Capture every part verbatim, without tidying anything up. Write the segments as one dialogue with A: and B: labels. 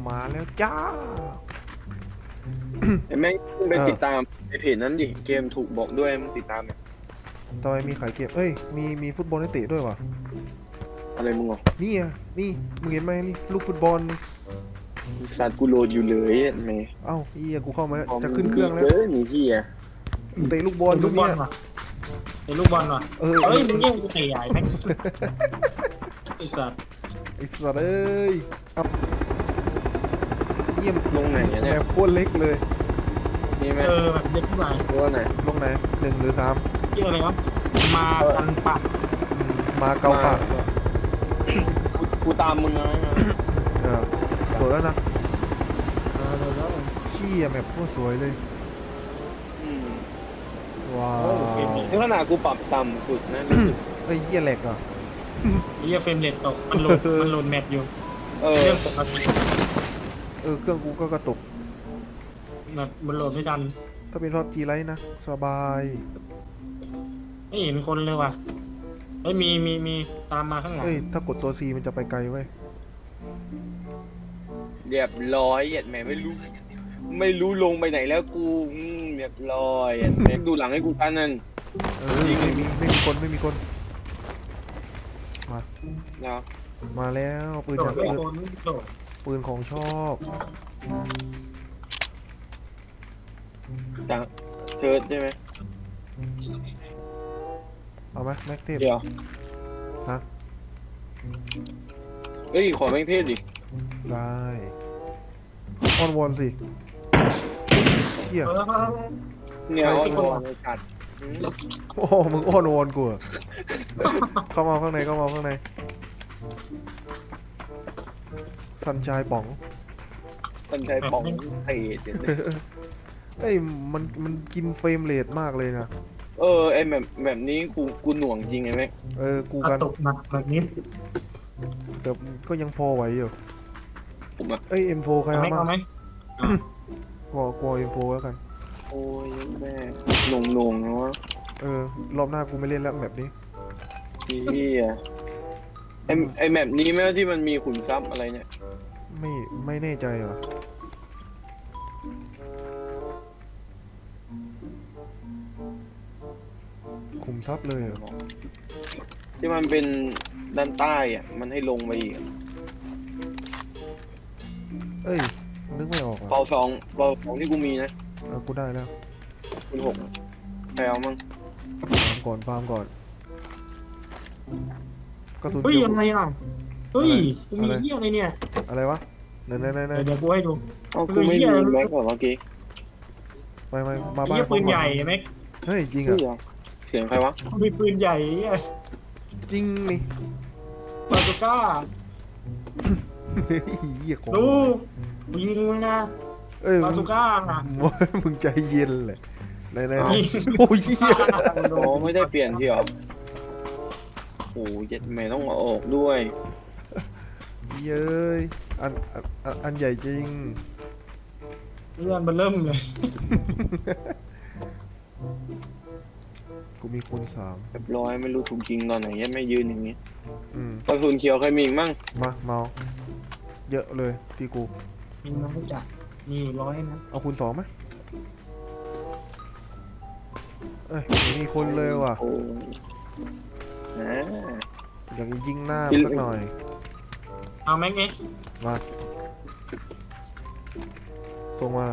A: มาแล้วจ้า
B: ไอ้แม่งไปติดตามไอ้เพจนั้นดิเกมถูกบอกด้วยมึงติดตามเนี่ย
A: ทำไมมีขายเกมเอ้ยมีมีฟุตบอลให้เตะด้วยวะ
B: อะไรมึงอ่ะ
A: นี่อ่ะนี่มึงเห็นไหมนี่ลูกฟุตบอล
B: สัตว์กูโหลดอยู่เลยแม่
A: เอ้าอียกูเข้ามาแล้วจะขึ้นเครื่องแล้ว
B: เออหนีที่อ่ะ
A: เตะลูกบอล
C: เป็น
A: ตร
C: ลู
A: ง
C: กบอ
A: เนี้
C: ล
A: ย
C: ว่ะเป็นลูกบอลว่ะ
A: เออ
C: เฮ้ยมึงแย่งกูเตะใหญ่แม่งไอ้สัตว์
A: ไอ้สัตว์เอ้ยเอาเยี่ยม
B: ลงไหนอะ
A: แม
B: เนี่ย
A: ปโคตรเล็กเลย
B: นี่ไหม
C: เออแบบเด็กผู้ใหญ่
B: ตัวไหน
A: ลงไหนหนึ่งหรือสาม
C: ชื่ออะไรวะมากันปะ
A: อืมมาเกาปาก
B: กูกูตามมึงนะ
A: เออโหลดแล้วนะ
C: เออเดี๋ยวแล้ว
A: เชี่ยแมปโคตรสวยเลย
B: อืม
A: ว้าว
B: นี่ขนาดกูปรับต่ำสุดนะรู้สึก
A: ไอ้ยเหี้ยแหลกอ่ะ
C: ไอ้เหี้ยเฟรมเรทตกมันโหลดมันโหลดแมปอยู่
B: เออ
C: เรื่องปกติ
A: เออเครื่องกูก็กระตุก
C: แมปมันโหลดไม่ทัน
A: ถ้าเป็นรอบจีไลท์นะสบาย
C: ไม่เห็นคนเลยว่ะเฮ้ยมีมีมีตามมาข้างหลัง
A: เอ้ยถ้ากดตัว C มันจะไปไกลเว้ย
B: เรียบร้อยเหยียดแม่ไม่รู้ ไม่รู้ลงไปไหนแล้วกูอืมเรียบร้อยเหยียดแม่ดูหลังให้กูกันนั่น
A: เออไม่มีไม่มีคนไม่มีคนมา
B: เนาะ
A: มาแล้วปืน
C: โหล
A: จา
C: ด
A: ก
C: ไม่
A: เออ
C: โดนไม่โหลด
A: ปืนของชอบ
B: จากเชิร์ดใช่ไหม
A: เอาไหมแม็กเทป
B: เดี๋ยว
A: ฮะ
B: เอ้ยขอแม่งเทศดิ
A: ได้ออนวอนสิเฮีย
C: เออ
B: เนี่ยเอาตัวในสัตว์อืม
A: โอ้มึงอ้อนวอนกูเหรอเข้ามาข้างในเข้ามาข้างในสันชายป๋อง
B: คนใช้ปองเทศเดี๋ยวนี้
A: เอ้ยมันมันกินเฟรมเรทมากเลยนะ
B: เออไอแบบแบบนี้กูกูหน่วงจริงไงแม่ง
A: เออกู
C: กระ
A: กัน
C: ตุกหนักแบบนี้
A: แต่ก็ยังพอไหวอยู่
B: ผมอะ
A: เอ้ย เอ็ม โฟร์ ใคร
C: เอาไหม
A: เอา
C: เอาไหม
A: มากลัวกลัว เอ็ม โฟร์ แล้วกัน
B: โอ้ยแม่หน่วงหน่วงๆนะวะ
A: เออ รอบหน้ากูไม่เล่นแล้วแบบนี้
B: พี่อะไอไอแมปนี้แม่งที่มันมีขุนทรัพย์อะไรเนี่ย
A: ไม่ไม่แน่ใจว่ะคุมทรัพย์เลยเหรอ
B: ที่มันเป็นด้านใต้อ่ะมันให้ลงไปอีกอะ
A: เอ้ย นึกไม่ออก
B: เปา
A: อ่ะ
B: สองเปาสองที่กูมีนะ
A: เออกูได้แล้ว
B: คุณหกอะใครเอามั่ง
A: ฟาร์มก่อนฟาร์มก่อนกระสุน
C: เฮ้ย
A: เขียว
C: ยังไงอ่ะเฮ้ยกูมี
A: อะไร
C: เหี้ยอะไรเนี่ย
A: อะไรวะไหนไหนไหนไหน
C: เดี๋ยวเดี๋ยวกูให้ดู
B: เอากูไม่มีแม็กก่อนเมื่อกี้
A: ไปไปมา
C: ไอ้
A: บ้าน
C: เหี้ยปืนใหญ่ไหม
A: เฮ้ยจริง
B: เฮ้
A: อ่ะ
B: ยเหรอเสียงใครวะ
C: มีปืนใหญ่เหี้ย
A: จริงนี่
C: บาซูก้า
A: เฮ้ยเหี้ยของ
C: ดูกูยิงมึงนะ
A: เอ้ย
C: บาซูก้าอ่ะ
A: มึงใจเย็นเลยไหนไหนไหน
C: ยิง
A: โอ้ยเหี้ย
B: โอ้ไม่ได้เปลี่ยนที่เหรอโอ้ยเย็ดแม่ต้องเอาออกด้วย
A: เย้ยอันอันอันอันใหญ่จริง
C: เลื่อนมันเริ่มเลย
A: กูมีคูณสาม
B: เรียบร้อยไม่รู้ถูกจริงตอนไหนยังไม่ยืนอย่างนี้
A: อืม
B: กระสุนเขียวใครมีอีกมั่ง
A: มาเมาเยอะเลยที่กู
C: มีน้ำจัดมีอยู่ร้อยนะ
A: เอาคูณสองไหมเอ้ยไม่มีคนเลยว่ะ
B: โอ้นะ
A: อยากจะยิงหน้ามันสักหน่อย
C: เอาแม็กเอ็ก
A: มาส่งมา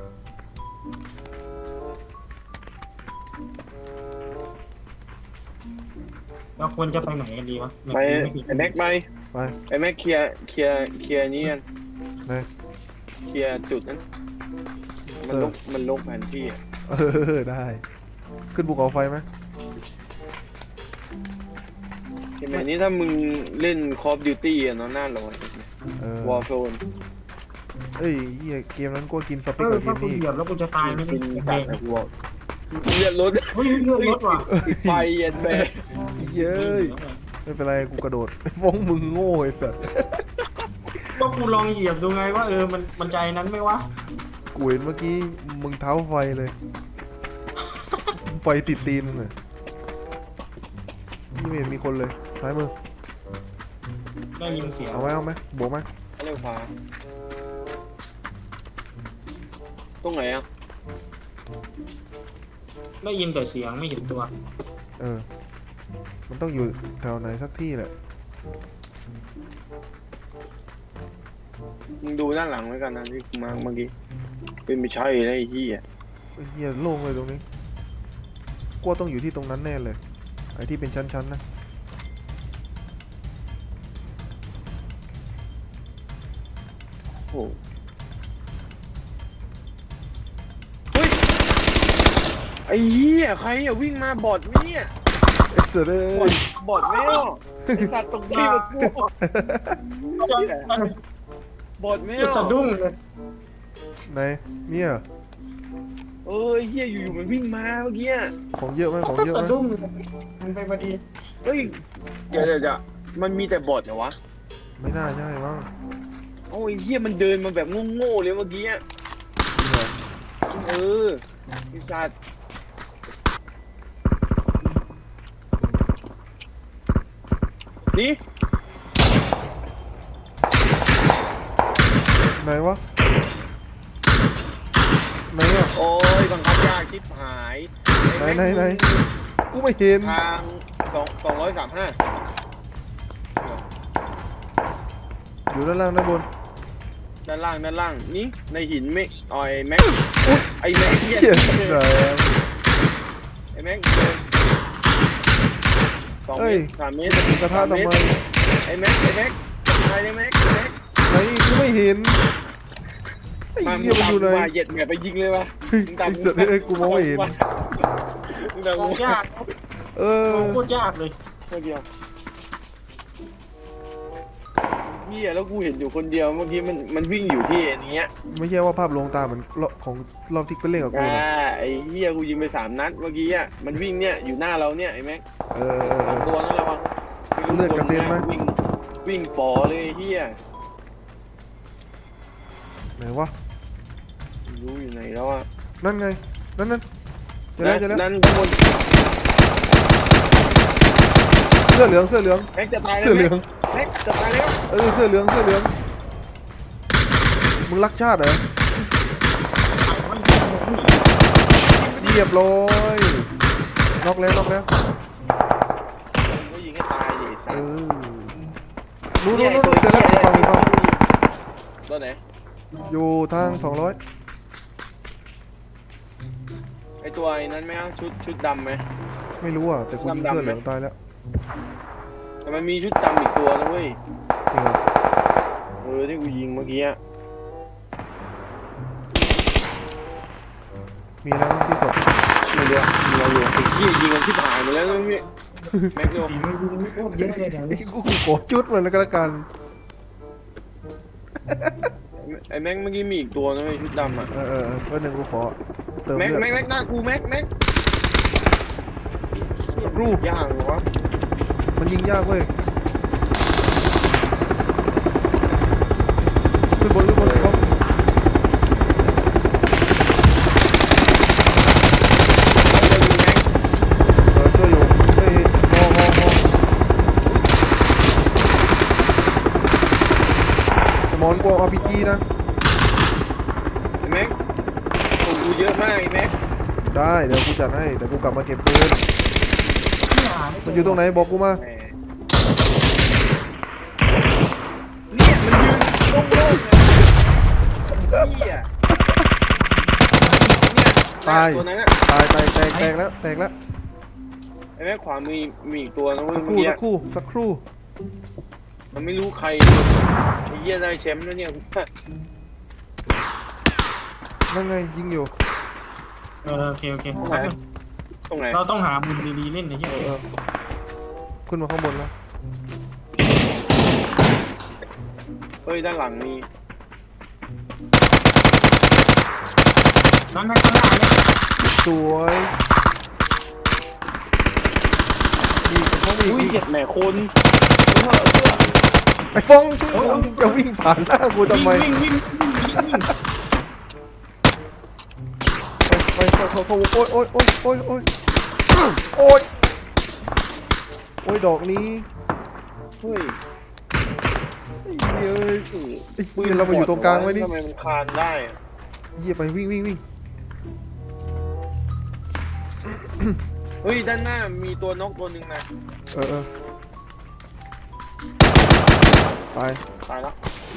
C: เราควรจะไปไหนกันดีวะ
B: ไปไอแม็กไป
A: ไป
B: ไอแม็กเคลียร์เคลียร์เคลียร์นี้กัน
A: ไหน
B: เคลียร์จุดนั้นมันลกมันลกแผนที่อะ
A: เออได้ ขึ้นภูเขาไฟไหม
B: เห็นไหมนี่ถ้ามึงเล่น Call of Duty อะเนาะหน้าร้อน
A: เออ
B: Warzone
A: เอ้ยเหี้ยเกมนั้นก็กินส
C: เอ
A: เปค
C: อ
A: กับเก
C: ถ้าม กู
A: นี้
C: เหยียบแล้วกูจะตายไหม
B: กิน
C: เนี่ย
B: สั
C: แด
B: ต
C: ง
B: ว์นะกูบอกเลือดรถ
C: เฮ้ยเลื่อนรถว่ะ
B: ติดไฟเย็นแม่
A: เย้ยไม่เป็นไรกูกระโดด ฟ้องมึงโง่ไอ้สัส
C: ก็กูลองเหยียบดูไงว่าเออมันมันใจนั้นไหมวะ
A: กูเห็นเมื่อกี้มึงเท้าไฟเลย ไฟติดตีนมึงเลยนี่ไม่เห็นมีคนเลยซ้ายมือ
C: ได้ยินเสียง
A: เอาไหมเอาไหมบวกไหม
B: เร็วขวาตรงไหนอ่ะ
C: ได้ยินแต่เสียงไม่เห็นตัว
A: เออ มันต้องอยู่แถวไหนสักที่แหละ
B: มึงดูด้านหลังไว้กันนะที่กูมาเมื่อกี้เป็นไม่ใช่นะไอ้เหี้ย
A: ไอ้เฮียโล่งเลยตรงนี้กลัวต้องอยู่ที่ตรงนั้นแน่เลย ไอ้ที่เป็นชั้นๆนะ
B: โอ้เฮ้ยไอ้เหี้ยใครอ่ะวิ่งมาบอดไหมเนี่ย
A: เอ็กซ์เร
B: บอด
A: ย์
B: บอดไหมอ่ะไอ้สัตว์ตกที่มากูบอดไหม
C: จะ
B: อ่ะ
C: สะดุ้งเลย
A: ไหนเนี่ย
B: เออไอ้เหี้ยอยู่ๆมันวิ่งมาเมื่อกี้อะ
A: ของเยอะไหมของ
C: ก็
A: เยอะ
C: สะ
A: ไหม
C: ดุ้งมันไปพอดี
B: เฮ้ยเดี๋ยวเดี๋ยวเดี๋ยวมันมีแต่บอดเหรอวะ
A: ไม่น่าใช่มั้ง
B: โอ้ยเหี้ยมันเดินมาแบบโง่ๆเลยเมื่อกี้อะ
A: จริงเหรอ
B: เออไอ้สัตว์นี่
A: ไหนวะไหนอ่ะ
B: โอ้ยบังคับยากชิบหาย
A: ไหนไหนไหนกูไม่เห็น
B: ทางสองสองร้อยสามห้า
A: อยู่ด้านล่างด้านบน
B: ด้านล่างด้านล่างนี่ในหินไม่อ๋อยแม็กไอ้แม็กเหี้ย
A: เชี่ยแรง
B: ไอ้แม็กเดินสองเม
A: เอ้ย
B: ตรสามเมตร
A: กระทะ
B: สาม
A: ทำ
B: เม
A: ไม
B: ตรไอ้แม็กไอ้แม็กไอ้แม็กไอ้แม็ก
A: ไหนกูไม่เห็นไอ้
B: มา
A: เหี้ยมันอยู่ไหน
B: มาเหย็ดแม่ไปยิงเลยวะมึงตาม
A: ไอ้สัตว์เอ้ยกูมองไม่เห็น
B: มึงตาม
C: ม
B: กู
C: องยาก
A: เออ
C: มองโคตรยากเลย
B: เมื่อกี้เหี้ยแล้วกูเห็นอยู่คนเดียวเมื่อกี้มันมันวิ่งอยู่ที่อันเนี้ย
A: ไม่ใช่ว่าภาพลวงตาเหมือนรอบของรอบที่ไปเล่นกับกู
B: อ่า
A: นะ
B: ไอ้เหี้ยกูยิงไปสามนัดเมื่อกี้อ่ะมันวิ่งเนี่ยอยู่หน้าเราเนี่ยไอ้แม็ก
A: เออเออเอ
B: สอง
A: อ
B: ตัวนั่นระวัง
A: เลือดกระเซ็นไหม
B: วิ่งวิ่งปอเลยไอ้เหี้ย
A: ไหนวะ
B: ไม่รู้อยู่ไหนแล้วอ่ะ
A: นั่นไงนั่นนั่นเจอแล้วเจอแล้ว
B: นั่นข้างบน
A: เสื้อเหลืองเสื้อเหลือง
B: แม็กจะตายแล้ว
A: เสื้อเหลือง
B: แม็กจะตายแล้ว
A: เออเสื้อเหลืองเสื้อเหลืองมึงรักชาติเหรอเรียบร้อยน็อกแล้วน็อกแล้ว
B: ก็ยิงให้ตายดิ
A: เออรู้รู้รู้เจอแล้วอีกฝั่งอีกฝั่ง
B: ตัวไหน
A: อยู่ทางสองร้อย
B: ไอตัวไอ้นั้นไหมอ่ะชุดชุดดำไหม
A: ไม่รู้อ่ะแต่กูยิง
B: ดำๆ
A: เสื้อเหลือง
B: ไหม
A: ตายแล้ว
B: แต่มันมีชุดดำอีกตัวนะเว้ย
A: จริงเหรอ
B: เออที่กูยิงเมื่อกี้อ่ะ
A: มีแล้วมั้งที่ศพ
B: ไม่รู้อะยิงเราอยู่ไอ้เหี้ยยิงกันที่ผ่านไปแล้วนะพี่แม็กโย
C: สีมันยิงโคตรเยอะเลยเดี๋ยว
A: ไอ้
C: นี้
A: กูโกรธจุดมันแล้วก็แล้วกัน
B: ไอ้แม็กเมื่อกี้มีอีกตัวนะเว้ยชุดดำอ่ะ
A: เออเออเออเพื่อนหนึ่งกูขอเติม
B: แม็ก
A: เลือด
B: แม็กแม็กหน้ากูแม็กแม็ก
A: สักครู่
B: ย่างเหรอวะ
A: มันยิงยากเว้ยขึ้นบนขึ้นบนเขาเออช่วยอยู่เฮ้ยมองมองมองหมอนกวาง อาร์ พี จี นะ
B: ไอ้แม็กของกูเยอะมากไอ้แม็ก
A: ได้เดี๋ยวกูจัดให้เดี๋ยวกูกลับมาเก็บปืน
C: ที่หาไม่เจ
A: มันอยู่ตรงไหนบอกกูมา
B: แหมเนี่ยมันยืนโล่งๆเลยเนี่ย
A: ตาย
B: ตัวนั้นอะ
A: ตายตายแตกแตกแล้วแตกแล้ว
B: ไอ้แม่ขวามีมีอีกตัวนะเว้ย
A: สักค
B: เมื่อ
A: รู่
B: กี้
A: สักครู่สักครู่
B: มันไม่รู้ใครไอ้เหี้ยได้แชมป์แล้วเนี่ย
A: นั่นไงยิงอยู่
C: เออโอเคโอเค
B: ตรงไหนตรงไหน
C: เราต้องหามุมดีๆเล่นนะเฮีย
A: เออเออขึ้นมาข้างบนแล้ว
B: เฮ้ยด้านหลังมี
C: นั่นนั่นข้างหน้าเนี่ย
A: สวยมีกระท้องมี
B: อุ้ย
A: อีก
B: เหยียดแหม่คนเออเออ
A: ไอ้ฟองช่วยกูจะวิ่งผ่านหน้ากูทำไม
C: วิ่งวิ่งวิ่งวิ่งวิ่ง
A: ไปไปเขาเขาโอ๊ยโอ๊ยโอ๊ยโอ๊ยโอ๊ยโอ๊ยโอ๊ยดอกนี้
B: เฮ้ย
A: ไอ้เหี้ยเอ้ยไอ้ปืนเรามาอยู่ตรงกลางไว้นี่
B: ทำไมมันคานได้อะ
A: เฮียไปวิ่งวิ่งวิ่ง
B: เฮ้ยด้านหน้ามีตัวนกตัวหนึ่งนะ
A: เออเออตาย
B: ตายแล้ว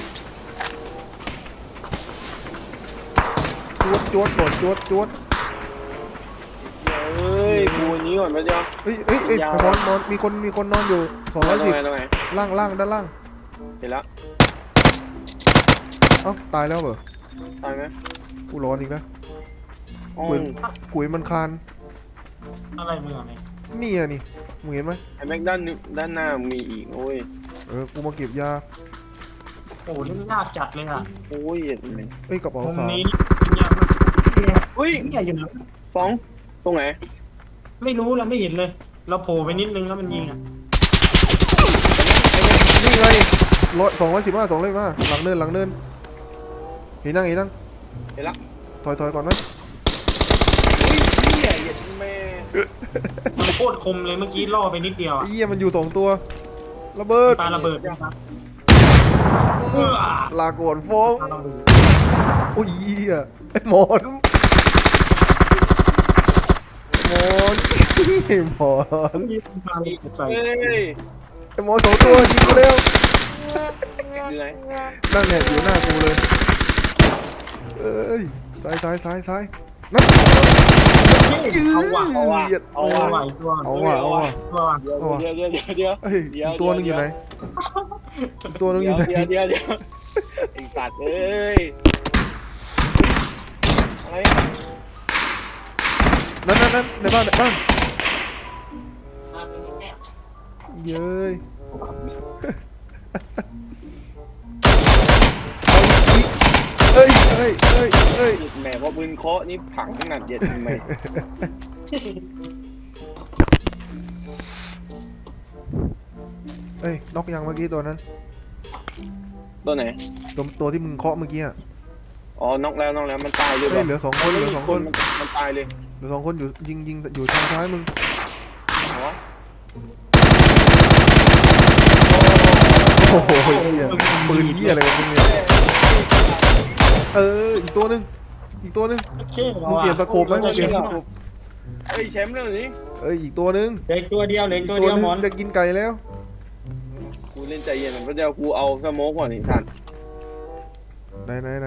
A: จวดจวดก่อนจวดจวด
B: เฮ้ยกูอันนี้ก่อนไปเดียว
A: เอ้ยเอ้ยเอ้ย
B: ยาว
A: ไอ้มอนมอนมีคนมีคนนอนอยู่สองร้อย
B: ตร
A: สิ
B: ง
A: บ
B: ไหนตรงไหน
A: ล่างล่างด้านล่าง
B: เห็นแล้ว
A: เอ้าตายแล้วเหรอ
B: ตายไหม
A: กูร้อนอีกแล้ว
B: อ๋อ
A: กุยกุยมันคาน
C: อะไรมึงอะไร
A: นี่อะนี่มึงเห็นไหม
B: ไอ้แม็กด้านนึด้านหน้ามีอีกโอ้ย
A: เออกูมาเก็บยา
C: โอ้โหนี่ยากจัดเลยอ่ะ
B: โอ้ยเห็นไหม
A: เอ้ยกระเป๋า
C: มุม
A: สาว
C: นี้เนี่ยมันเนี่ย
B: เฮ้ย
C: เนี่ยอยู่นะ
B: ฟองตรงไหน
C: ไม่รู้เราไม่เห็นเลย เราโผล่ไปนิดนึงแล้วมันยิงอ่ะ
A: นี่ไงร้อยสองร้อยสิบห้าสองร้อยมาหลังเนินหลังเนินเห็นนั่งเห็นนั่ง
B: เห็นแล้ว
A: ถอยถอยก่อนไหม
B: เฮ้ยเหี้ยเห็นแม่
C: มันโคตรคมเลยเมื่อกี้ล่อไปนิดเดียว
A: ไอ้
C: อะ
A: เหี้ยมันอยู่สองตัวระเบิด
C: ปาระเบิดนะครับเออ
A: ลาก่อนฟอง
C: ปาระเบิด
A: โอ้ยเหี้ยไอ้หมอนหมอนไอ้หมอน
C: มีปาระเบิดใส่
B: เฮ้ย
A: ไอ้หมอนสองตัวยิงกูเร็ว
B: อยู่ไหน
A: นั่นแหละอยู่หน้ากูเลยเอ้ยซ้ายซ้ายซ้ายซ้ายนั่น
C: เอาว่ะ
B: เอาว่ะ
A: เหยียด
B: เอา
C: เอา
B: ว่ะ
C: ว่ะอีกตัว
A: เอาว่ะเอาว่ะ
C: ตัวว่ะ
B: เดี๋ยวเดี๋ยวเดี๋ยวเดี๋ยวเดี๋ยว
A: เอ้ยอีกตัวหนึงอยู่ไหนอีกตัวหนึงอ
B: เดี๋ย
A: ยู่
B: ว
A: ไหน
B: เดี๋ยวเดี๋ยวเดี๋ยวไอ้สัตว์เอ้ยอะไร
A: นั่นนั่นนั่นในบ้านในบ้านเย้ยเอ้ยเอ้ยเอ้ยเอ้ย
B: แหมว่าปืนเคาะนี่ผังขนาดเย็นทำไม
A: เอ้ยน็อกยังเมื่อกี้ตัวนั้น
B: ตัวไหน
A: ตัวตัวที่มึงเคาะเมื่อกี้อ่ะ
B: อ๋อน็อกแล้วน็อกแล้วมันตายเลย
A: เฮ้ยเหลือสองคนเหลือสองคน
B: มันมันตายเลย
A: เหลือสองคนอยู่ยิงยิงอยู่ทางซ้ายมึง
B: อ๋อ
A: โอ้โหเหี้ยปืนเหี้ยอะไรของมึงเนี่ยเอออีกตัวหนึงอีกตัวหนึง
C: โอเค
A: มึงเปลี่ยนสโคปไหมมึงเปลี่ยนสโคป
B: เฮ้ยแชมป์แล้วนี่
A: เอ้ยอีกตัวหนึง
C: เหล็กตัวเดียวเหล็ก
A: อีก
C: ตัว
A: ตัว
C: เดียว
A: หนึง
C: หมอน
A: จะกินไก่แล้ว
B: กูเล่นใจเย็นเพราะเดี๋ยวกูเอาสโมกก่อนอีกท่าน
A: ไหนไหนไหน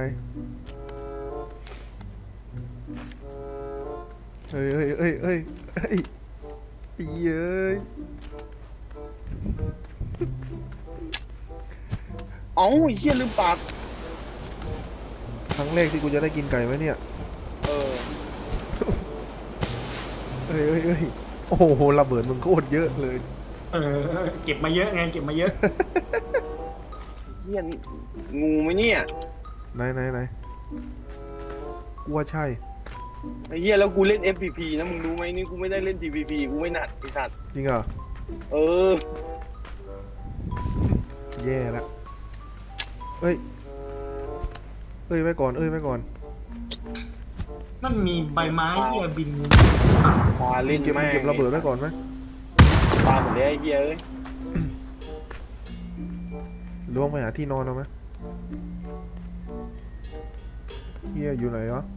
A: เฮ้ยเฮ้ยเฮ้ยเฮ้ยเฮ้ยเย้ย
B: เอ้าเฮียลืมปาก
A: ครั้งแรกที่กูจะได้กินไก่ไหมเนี่ย
B: เออ
A: เฮ้ยเฮ้ยเฮ้ยโอ้โหระเบิดมึงโคตรเยอะเลย
C: เออเก็บมาเยอะไงเก็บมาเยอะ
B: เฮียงูไหมเนี่ย
A: ไหนไหนไหนกูว่าใช่
B: ไอ้เฮียแล้วกูเล่น เอฟ พี พี นะมึงรู้ไหมนี่กูไม่ได้เล่น ที พี พี กูไม่หนัดไอ้สัตว์
A: จริงเหรอ
B: เออ
A: แย่ละเอ้ยเอ้ยไว้ก่อนเอ้ยไว้ก่อน
C: นั่นมีใบไม้ที่จะบิน
B: ปลาเล่น
A: เก็บ
B: แม่ง
A: เก็บระเบิดไว้ก่อนไหม
B: ปลาหมดเลยไอ้เฮียเอ้ย
A: ล่วงไปหาที่นอนเอาไหมเฮียอยู่ไหนวะ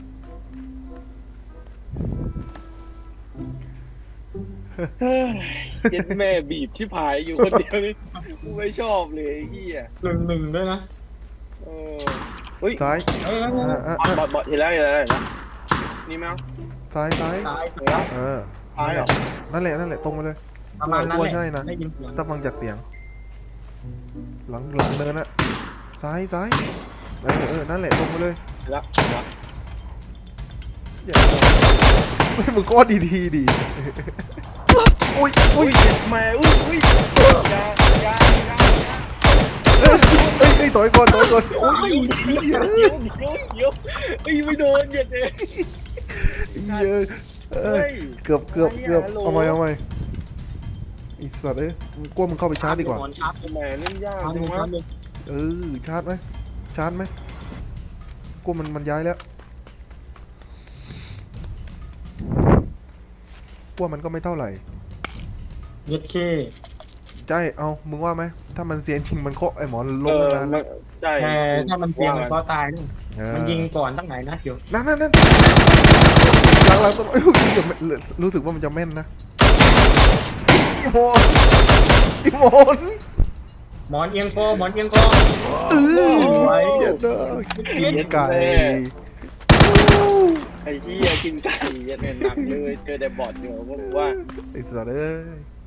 B: เฮ้ยเย็ดแม่บีบชิบหายอยู่คนเดียวนี่กูไม่ชอบเลยไอ้เฮีย
C: หนึ่งหนึ่งด้วยนะ
B: เออเฮ้ย
A: ซ้าย
C: เอ้ย
A: อ่ะอ่ะ
B: บอ
A: อ่ะ
B: ดบอดบอดเห็นแล้วเห็นแล้วเห็นแล้วนี่มั้ง
A: ซ้ายซ้าย
C: ตาย
B: เห็นแล้ว
A: เออ
B: ตายเหรอ
A: นั่นแหละนั่นแหละตรงไปเลย
C: ประมาณนั้น
A: กลัว
C: แหละ
A: ใช่นะ
C: ได้ยินเสียง
A: ถ้าฟังจากเสียง หลังหลังเนินอะซ้ายซ้ายเออเออนั่นแหละตรงไปเลย
B: เห็นแล้วเห็นแล้ว
A: อย่าไม่มึงก็ดีดีดีอุ้ยอุ้
B: อุ้
A: ย
B: ยเจ็บแม่อุ้ยอุ้ยยายายายา
A: เอ้ยเอ้ยเอ้ยถอยก่อนถอยก่อน
B: โอ้ยเดี๋ยวเดี๋ยวเดี๋ยวเดี๋ยวเอ้ยไม่โดนเย็ดเลย
A: เหี้ยเอ้ย
B: เฮ้ย
A: เกือบเกือบเกือบ
B: ฮัลโหล
A: เอาไหมเอาไหมไอีสัตว์เอ้ยมึงกลัวมึงเข้าไปชาร์จดีกว่า
C: หมอนชาร์จ
B: ทำไมเล่นยาก
C: ชาร์จ
B: จัง
C: เลย
B: วะ
C: ชาร์จเลย
A: เออชาร์จไหมชาร์จไหมกลัวมันมันย้ายแล้วกลัวมันก็ไม่เท่าไหร่
C: เย็ดเค
A: ใช่เอามึงว่าไหมถ้ามันเสียจริงมันเคาะไอ้หมอนล
B: เอง อ
A: ตั้งนาน
B: มั
A: แล้ว
B: นใช่
C: แต่ถ้ามันเสี่ยงมันก็ตายด้วย
A: เออ
C: มันยิงก่อนตั้งไหนนัดอยู่
A: นั่นนั่นนั่นหลังหลังต้นเอ้ยรู้สึกว่ามันจะแม่นนะอีโมนอีโมน
C: หมอนเอียงคอหมอนเอียงคอ
A: เออ
C: ไว้
A: เหี้ยเด้อกินไก่
B: ไอ้เหี้ยกินไก่เหี้ย็ดแม่หนักเลยเจอแต่บอดอยู่ผมว่า
A: ไอ้สัตว์เอ้ย